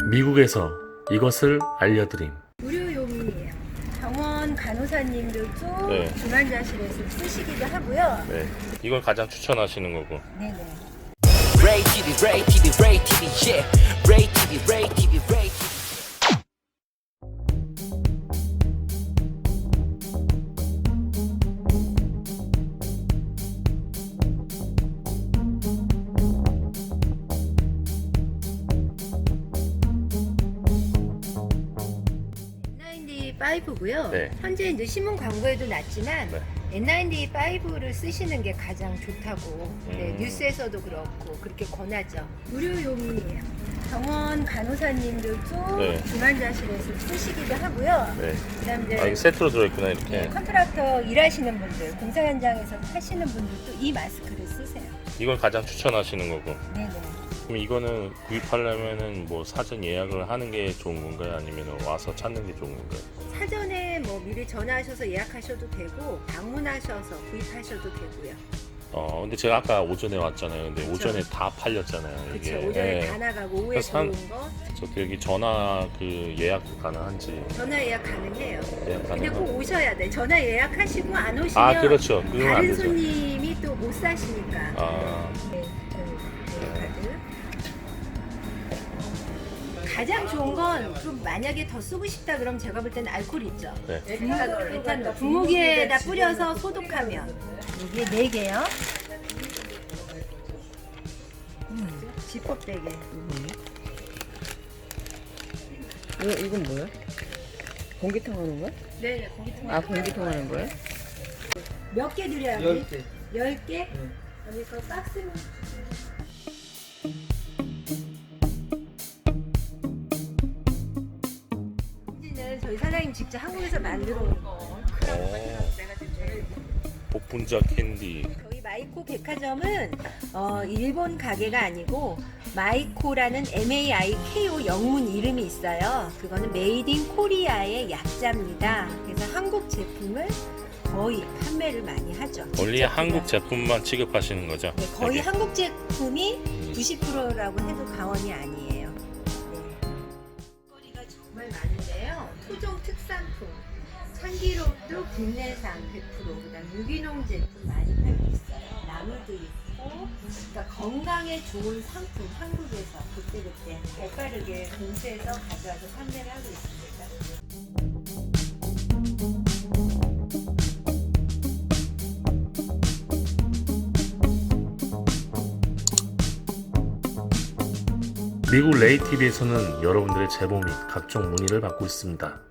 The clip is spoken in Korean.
미국에서 이것을 알려드림. 의료용이에요. 병원 간호사님들도 네. 중환자실에서 쓰시기도 하고요. 네, 이걸 가장 추천하시는 거고. 네네. Ray TV, Ray TV, Ray TV, yeah. Ray TV, Ray TV, Ray TV. N95고요. 네. 현재 이제 신문 광고에도 났지만 네. N95를 쓰시는 게 가장 좋다고 네, 뉴스에서도 그렇고 그렇게 권하죠. 의료용이에요. 병원 간호사님들도 네. 중환자실에서 쓰시기도 하고요. 네. 그다음 이제 이게 세트로 들어있구나, 이렇게. 네, 컨트락터 일하시는 분들, 공사 현장에서 하시는 분들도 이 마스크를 쓰세요. 이걸 가장 추천하시는 거고. 네네. 그럼 이거는 구입하려면은 뭐 사전 예약을 하는 게 좋은 건가요? 아니면 와서 찾는 게 좋은 건가요? 사전에 뭐 미리 전화하셔서 예약하셔도 되고 방문하셔서 구입하셔도 되고요. 근데 제가 아까 오전에 왔잖아요. 근데 그쵸. 오전에 다 팔렸잖아요. 그렇죠. 이게. 오전에 예. 다 나가고 오후에 그래서 한- 들어온 거 저 여기 전화 예약 가능한지. 전화 예약 가능해요. 예약 근데 꼭 가능한. 오셔야 돼. 전화 예약하시고 안 오시면 아, 그렇죠. 그건 안 다른 되죠. 손님이 또 못 사시니까. 아, 네, 카드. 가장 좋은 건 좀 만약에 더 쓰고 싶다 그러면 제가 볼 때는 알코올 있죠. 네. 에탄올. 분무기에다 뿌려서 소독하면 이게 4개요. 지퍼백에. 이건 뭐야? 공기통 하는 거야? 네, 공기통. 아, 공기통 하는 거야? 몇 개 드려야 돼? 10개. 10개? 여기 그 박스는 는 저희 사장님 직접 한국에서 만들어 온 거. 복분자 캔디. 저희 마이코 백화점은 일본 가게가 아니고 마이코라는 MAIKO 영문 이름이 있어요. 그거는 메이드 인 코리아의 약자입니다. 그래서 한국 제품을 거의 판매를 많이 하죠. 원래 직접 한국 그냥. 제품만 취급하시는 거죠? 네, 거의 여기? 한국 제품이 90%라고 해도 과언이 아니에요. 네. 거리가 정말 많은데요. 토종 특산품, 참기름도 국내산 100%, 그다음 유기농 제품 많이 팔고 있어요. 나물도 있고, 그러니까 건강에 좋은 상품 한국에서 그때그때 발빠르게 공수해서 가져와서 판매를 하고 있습니다. 미국 레이 TV에서는 여러분들의 제보 및 각종 문의를 받고 있습니다.